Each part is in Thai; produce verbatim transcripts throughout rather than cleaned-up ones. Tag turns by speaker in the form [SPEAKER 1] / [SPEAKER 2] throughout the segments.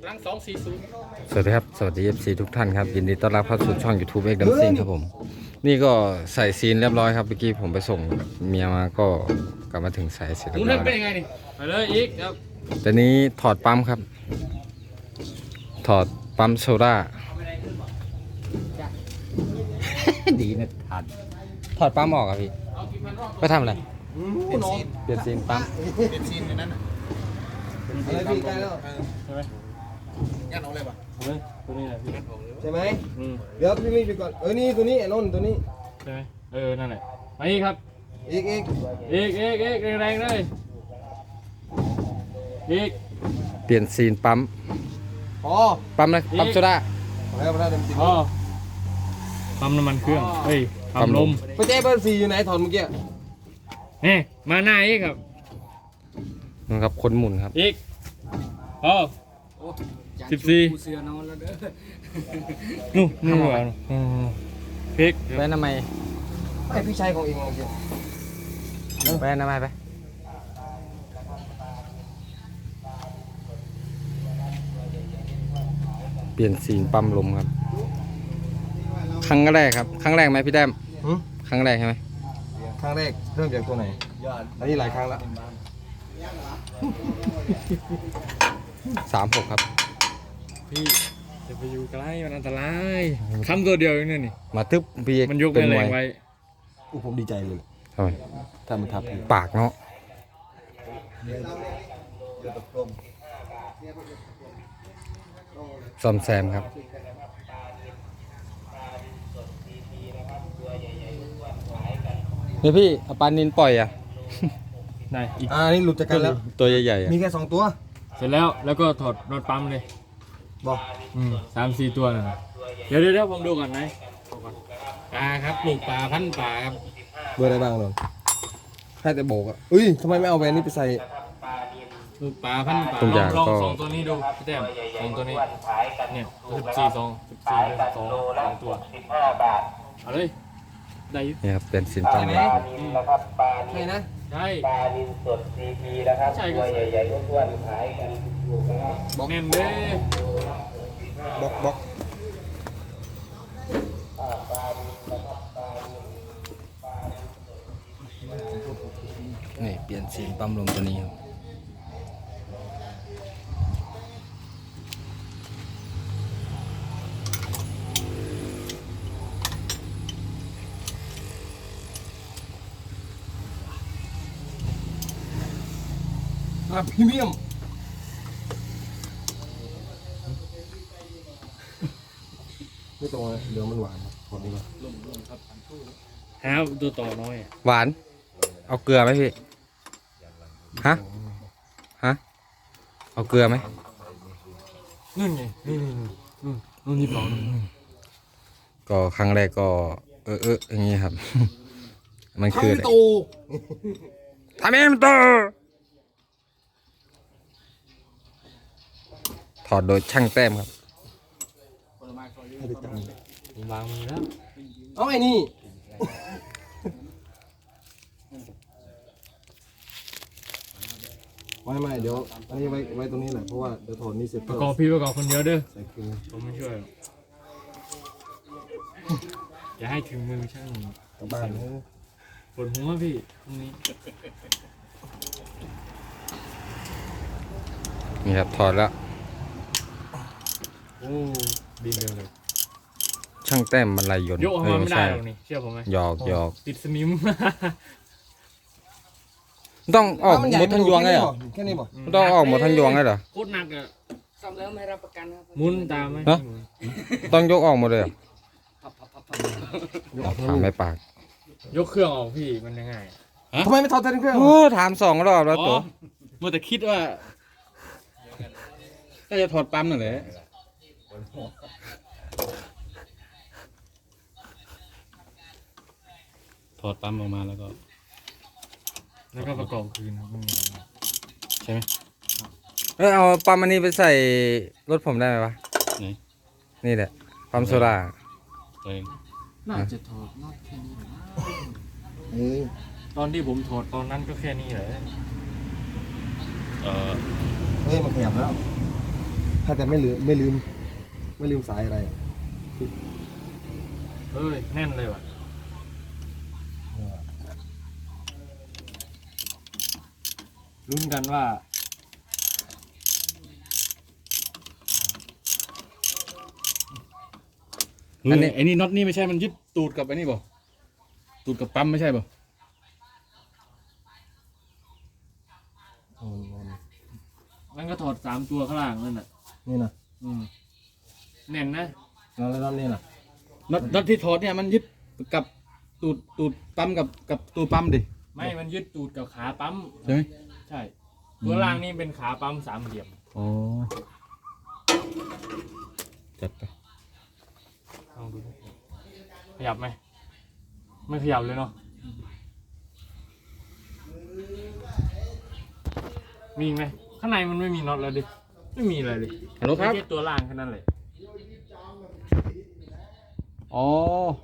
[SPEAKER 1] หลังสองสี่ศูนย์
[SPEAKER 2] สวัสดีครับสวัสดี เอฟ ซี ทุกท่านครับยินดีต้อนรับเข้าสู่ช่อง YouTube เอ็กซ์ดัมซิงครับผมนี่ก็ใส่ซีนเรียบร้อยครับเมื่อกี้ผมไปส่งเมียมาก็กลับมาถึงใส่เสร็จ
[SPEAKER 1] มุ
[SPEAKER 2] เรีย
[SPEAKER 1] น
[SPEAKER 2] บร้อย
[SPEAKER 1] เป็นยังไงนี่ไปเลยอีกครับ
[SPEAKER 2] แต่นี้ถอดปั๊มครับ ถอดปั๊มโซดา ดีนะทันถอดปั๊มออกครับพี่ไปทำอะไร
[SPEAKER 3] เปลี่ยนซีน
[SPEAKER 2] เปลี่ยนซีนปั๊ม
[SPEAKER 3] เปลี่ยนซีนในนั้นน่ะ
[SPEAKER 4] อะไรพี่ใกล้แล้ว
[SPEAKER 1] ใช่ไหม
[SPEAKER 3] ยัดเอาเลยป่ะ
[SPEAKER 1] เฮ้ยตัวนี้แหละพี่
[SPEAKER 4] ใช่ไหม
[SPEAKER 1] อืม
[SPEAKER 4] เดี๋ยวพี่มีไปก่อนเออนี่ตัวนี้ไอ้นนท์ตัวนี้
[SPEAKER 1] ใช่ไหมเออนั่นแหละไปอีกครับ
[SPEAKER 4] อีกอีก
[SPEAKER 1] อีกอีกอีกแรงๆเลยอีก
[SPEAKER 2] เปลี่ยนซีนปั๊ม
[SPEAKER 4] พอ
[SPEAKER 2] ปั๊มอะไรปั๊มโซดา
[SPEAKER 4] พอแล้วพอแล้วเต็มที่
[SPEAKER 1] อ๋อปั๊มน้ำมันเครื่องเฮ้ยปั๊มลม
[SPEAKER 4] ไปเจ๊เบอร์สี่อยู่ไหนถอนเมื่อกี้
[SPEAKER 1] นี่มาหน้าอีกครับ
[SPEAKER 2] นะครับคนหมุนครับ
[SPEAKER 1] อีกอ๋อสิบสี่นู่นนู่นเหรออืมพริก
[SPEAKER 2] ไปทำไม
[SPEAKER 4] ไอพี่ชายของเองเมื่อกี้
[SPEAKER 2] ไปทำไมไปเปลี่ยนซีนปั๊มลมครับครั้งแรกครับครั้งแรกไหมพี่แต้ม
[SPEAKER 4] หืม
[SPEAKER 2] ครั้งแรกใช่ไหม
[SPEAKER 4] ครั้งแรกเริ่มจากตัวไหนอันนี้หลายครั้งละ
[SPEAKER 2] สามหกครับ
[SPEAKER 1] พี่จะไปอยู่ใกล้มันอันตรายคำตัวเดียวเองเนี่ยนี่
[SPEAKER 2] มาทึบพี่
[SPEAKER 1] มันยก
[SPEAKER 2] เป็
[SPEAKER 1] แม่
[SPEAKER 2] น
[SPEAKER 1] แร
[SPEAKER 2] มว
[SPEAKER 1] ง
[SPEAKER 2] ย
[SPEAKER 1] ไว้
[SPEAKER 4] อู้ผมดีใจเลย
[SPEAKER 2] ทำไม
[SPEAKER 4] ถ้ามันทับพี่
[SPEAKER 2] ปากเนาะซ่อมแซมครับนี่พี่เอาปลานินปล่อยอ่ะ
[SPEAKER 1] ได้อีก
[SPEAKER 4] อ่านี่หลุดจากกันแล้ว
[SPEAKER 2] ตัวใหญ่ๆอ่ะ
[SPEAKER 4] มีแค่สองตัว
[SPEAKER 1] เสร็จแล้วแล้วก็ถอดรถปั๊มเลย
[SPEAKER 4] บอก
[SPEAKER 1] อืมสามสี่ตัวนะเดี๋ยวเดี๋ยวเดี๋ยวผมดูก่อนไหมดูก่อนปลาครับปลูกปลาพันธุ์ปลาครับ
[SPEAKER 4] เบอร์อะไรบ้างนนท์แค่แต่โบกอ่ะอุ้ยทำไมไม่เอาแวนนี้ไปใส่
[SPEAKER 1] ปลูกปลาพันธุ์ปลา
[SPEAKER 2] ทุกอย่าง
[SPEAKER 1] ลอง
[SPEAKER 2] ก็
[SPEAKER 1] สองตัวนี้ดูพี่แต้มสองตัวนี้เนี่ยสิบสี่สองสิบสี่สองสองตัวเอาเลยได้อยุ
[SPEAKER 2] นี่ครับเป็นสินปั๊มลมครับ
[SPEAKER 4] ใช่นะ
[SPEAKER 1] ใช่
[SPEAKER 5] ปลานินสดซีพีนะครับ
[SPEAKER 1] ใช่
[SPEAKER 5] ตั
[SPEAKER 1] ก็
[SPEAKER 5] วใหญ่ๆอ้วนๆขายกันถูกๆนะครับ
[SPEAKER 1] บอกแน่นเด้
[SPEAKER 4] บอกบอก
[SPEAKER 2] นี่เปลี่ยนซีนปั๊มลมตัวนี้ครับ
[SPEAKER 4] อ่ะพรีเมียมไม่ตรงเลยเดี๋ยวมันหวานขอดีกว่า
[SPEAKER 1] หาตัวต่อน้อยอะ
[SPEAKER 2] หวาน เอาเกลือไหมพี่ ฮะ ฮะ เอาเกลือไหม
[SPEAKER 1] นู่นไงนี่นี่นี่นู่นนู่นนี่ปลอกนู่น
[SPEAKER 2] ก็ครั้งแรกก็เออเอออย่างงี้ครับ มันคืออะไร
[SPEAKER 4] โต
[SPEAKER 2] ทำเองตัวถอดโดยช่างแต้มครับ
[SPEAKER 4] ให้ไปจัง
[SPEAKER 1] ผมวางมือแล้ว
[SPEAKER 4] เอาไอ้นี่ไม่ไม่เดี๋ยวอันนี้ไว้ไว้ตรงนี้แหละเพราะว่าเดี๋ยวถอนนี่เสร็จ
[SPEAKER 1] ประกอบพี่ประกอบคนเดียวเด้อ
[SPEAKER 4] ใส่คืน
[SPEAKER 1] ผมไม่ช่วยหรอกอย่าให้ถึงมือช่าง
[SPEAKER 4] กลับบ้านนะ
[SPEAKER 1] ปวดหัวพี่ตรงนี้
[SPEAKER 2] นี่ครับถอดแล้ว
[SPEAKER 1] โอ้ดินเดียวเลย
[SPEAKER 2] ช่างแต้มมันลายยนต์
[SPEAKER 1] ยกออก
[SPEAKER 2] เอ
[SPEAKER 1] มา
[SPEAKER 2] อ
[SPEAKER 1] ไม่ได้
[SPEAKER 2] ใช่
[SPEAKER 1] หรอกนี่เชื่อผมไหม
[SPEAKER 2] หยอกหยอก
[SPEAKER 1] ติดสนิม
[SPEAKER 2] ต้องออกหมดทั้งยวงเลยเหรอ
[SPEAKER 4] แค่นี้บ่
[SPEAKER 2] ต้องออกหมดทั้งยวงเลยเหรอ
[SPEAKER 1] โคตรหนักอ่ะ
[SPEAKER 6] ซ่อมแล้วไม่รับประกันครับ
[SPEAKER 1] หมุนตามไหม
[SPEAKER 2] เนอะ ต้องยกออกหมดเลยเหรอถามไม่ปาก
[SPEAKER 1] ยกเครื่องออกพี่มันยังไงอะ
[SPEAKER 4] ทำไมไม่ถอดแทนเครื่อง
[SPEAKER 2] โอ้ถามสองรอบแล้วตัว
[SPEAKER 1] มัวแต่คิดว่า
[SPEAKER 2] ก็จะถอดปั๊มนั่นแหละ
[SPEAKER 1] ถอดปั๊มออกมาแล้วก็ แล้วก็ประกอบคืนครับไม่มีอะไรใช่ไหม
[SPEAKER 2] เออเอาปั๊มอันนี้ไปใส่รถผมได้ไหมวะ
[SPEAKER 1] ไหน
[SPEAKER 2] นี่แหละปั๊มโซดา
[SPEAKER 1] ตัวเอง
[SPEAKER 6] น่าจะถอดน็อตแค่นี้นะ
[SPEAKER 4] เออ
[SPEAKER 1] ตอนที่ผมถอดตอนนั้นก็แค่นี้แหละเออ
[SPEAKER 4] เฮ้ยมันขยับแล้วถ้าแต่ไม่ลืมไม่ลืม ไม่ลืมสายอะไร
[SPEAKER 1] เอ้ยแน่นเลยว่ะลุ้นกันว่า
[SPEAKER 2] อันนี้
[SPEAKER 7] ไอ้นี่น็อตนี่ไม่ใช่มันยึดตูดกับไอ้นี่บ่ตูดกับปั๊มไม่ใช่บ่
[SPEAKER 1] มันก็ถอดสามตัวข้างล่างนั่นน่ะ
[SPEAKER 4] นี่นะ
[SPEAKER 1] อืมแน่นนะ
[SPEAKER 4] แล้วแล้วนี่นะ
[SPEAKER 7] น็อตน็อตที่ถอดเนี่ยมันยึดกับตูดตูดปั๊มกับกับตัวปั๊มดิ
[SPEAKER 1] ไม่มันยึดตูดกับขาปั๊ม
[SPEAKER 7] ใช่ไหม
[SPEAKER 1] ใช่ตัวล่างนี่เป็นขาปั๊มสามเหลี่ยม
[SPEAKER 7] อ๋อจัดไป
[SPEAKER 1] ลองดูดิขยับไหมไม่ขยับเลยเนาะมีอีกไหมข้างในมันไม่มีน็อตแล้วดิไม่มีอะไรเลย
[SPEAKER 7] ฮัลโหลครับ
[SPEAKER 1] แค่ตัวล่างแค่นั้นเลย
[SPEAKER 7] อ๋อ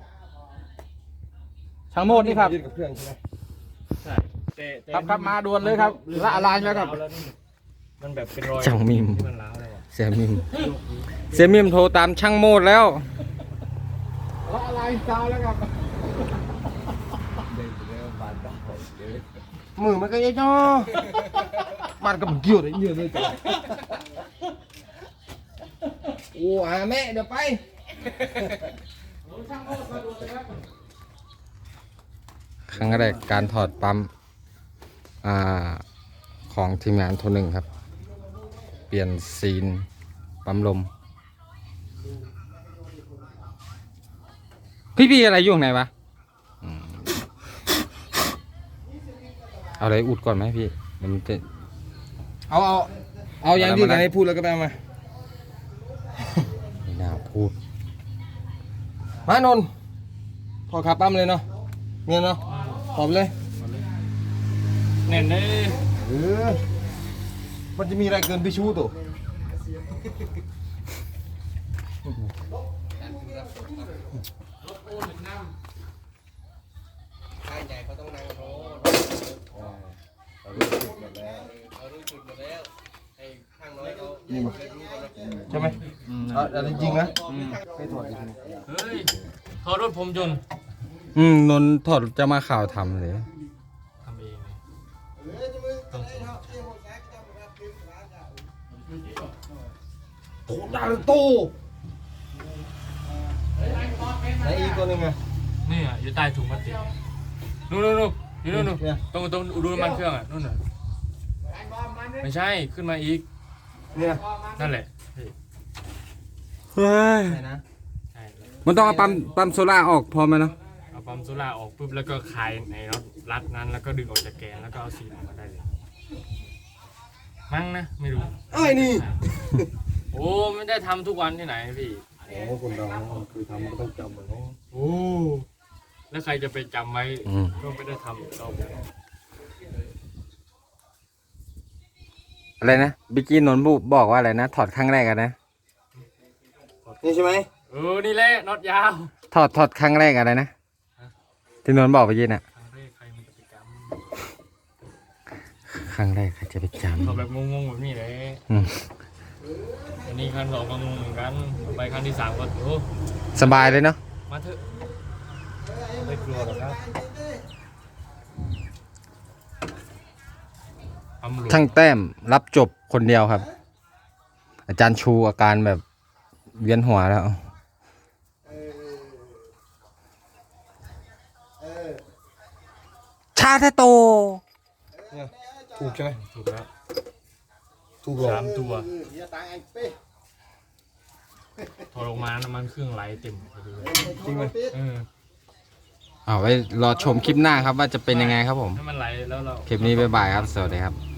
[SPEAKER 7] ช่างโมดนี่ครับ
[SPEAKER 4] ยึดกับเครื่องใช่ไหม
[SPEAKER 1] ใช่แต่แต่
[SPEAKER 7] ครับครับมาด่วนเลยครับละลายแล้วครับ
[SPEAKER 1] มันแบบเป็นรอย
[SPEAKER 2] ช่างมิม
[SPEAKER 1] ที่มันร้าวแล้วอะ
[SPEAKER 2] เสียมิมเสียมิมโทรตามช่างโมดแล้ว
[SPEAKER 7] ละลายซาวแล้วครับ
[SPEAKER 4] มือมันก็ยังจ้อมันก็มันเกี่ยวได้เยอะเลยจ้ะโอ้อาแม่เดี๋ยวไป
[SPEAKER 2] ครั้งแรกการถอดปั๊มอ่าของทีมงานโทรหนึ่งครับ เปลี่ยนซีนปั๊มลม พี่พี่อะไรอยู่ข้างในวะอืมเอาอะไรอุดก่อนไหมพี่เดี๋ยวมันจะ
[SPEAKER 4] เอาเอาเอาอย่างที่ไหนพูดแล้วก็ไปเอามา
[SPEAKER 2] ไม่น่าพูด
[SPEAKER 4] มานนท์ถอดขาปั๊มเลยเนาะเนี่ยเนาะถอดไปเลย
[SPEAKER 1] แน่นเลย
[SPEAKER 4] เออมันจะมีอะไรเกินพี่ชูตัวใช่ไหมเอาเอาจริงๆนะไม่ถอดจริง
[SPEAKER 1] เฮ้ยขอรถผมจนต์
[SPEAKER 2] อืมนนท์ถอดจะมาข่าวทำเลย
[SPEAKER 1] ทำเองต้องสอน
[SPEAKER 4] โถดาโตไหนอีกตัวหนึงอะ
[SPEAKER 1] นี่อ่ะอยู่ใต้ถุงพลาสติกนู่นนู่นนู่นอยู่นู่นนู่น
[SPEAKER 4] เนี่ย
[SPEAKER 1] ตรงตรงดูน้ำมันเครื่องอ่ะนู่นน่ะไม่ใช่ขึ้นมาอีก
[SPEAKER 4] เนี่ย
[SPEAKER 1] นั่นแหละ
[SPEAKER 2] เฮ้ย
[SPEAKER 4] ไหนนะ
[SPEAKER 1] ใช่แล้ว
[SPEAKER 2] มันต้องเอาปั๊มปั๊มโซล่าออกพอไหมเนาะ
[SPEAKER 1] เอาปั๊มโซล่าออกปุ๊บแล้วก็คลายในน็อตรัดนั้นแล้วก็ดึงออกจากแกนแล้วก็เอาซีนออกมาได้เลยมั้งนะไม่รู้
[SPEAKER 4] ไอ้นี่
[SPEAKER 1] โอ้ไม่ได้ทำทุกวันที่ไหนพี่
[SPEAKER 4] โอ้คนเราคือทำมันต้องจำเหมือนกัน
[SPEAKER 1] โอ้แล้วใครจะไปจำไว้
[SPEAKER 2] อืม
[SPEAKER 1] ก็ไม่ได้ทำเรา
[SPEAKER 2] อะไรนะบิกกี้นนท์บุบอกว่าอะไรนะ ถอดครั้งแรกอะนะ
[SPEAKER 4] นี่ใช่ไหม
[SPEAKER 1] เออนี่แหละน็อตยาว
[SPEAKER 2] ถอดถอดครั้งแรกอะไรนะ ที่นนท์บอกไปยินอะ
[SPEAKER 1] ครั้งแรกใครมันจะไปจ
[SPEAKER 2] ครั้งแรกใครจะไปจ
[SPEAKER 1] ำเขาแบบงงๆแบบนี้เลย
[SPEAKER 2] ำอืม
[SPEAKER 1] อันนี้ครั้งสองก็งงเหมือนกันต่อไปครั้งที่สามก็โอ้
[SPEAKER 2] สบายเลยเนาะ
[SPEAKER 1] มาเถอะไม่กลัวหรอกครับตำรวจ
[SPEAKER 2] ช่างแต้มรับจบคนเดียวครับ อาจารย์ชูอาการแบบเวียนหัวแล้ว ชาเทโต
[SPEAKER 4] ถูกใช่ไหม
[SPEAKER 1] ถูกแล้ว
[SPEAKER 4] ถูกหรอ
[SPEAKER 1] สามตัวถอดออกมาน้ำมันเครื่องไหลเต็มพอดีเลย
[SPEAKER 4] จริงไหม
[SPEAKER 1] เออ
[SPEAKER 2] เอาไว้รอชมคลิปหน้าครับว่าจะเป็นยังไงครับผม
[SPEAKER 1] ถ้ามันไหลแล้วเรา
[SPEAKER 2] คลิปนี้บ๊ายบายครับ สวัสดีครับ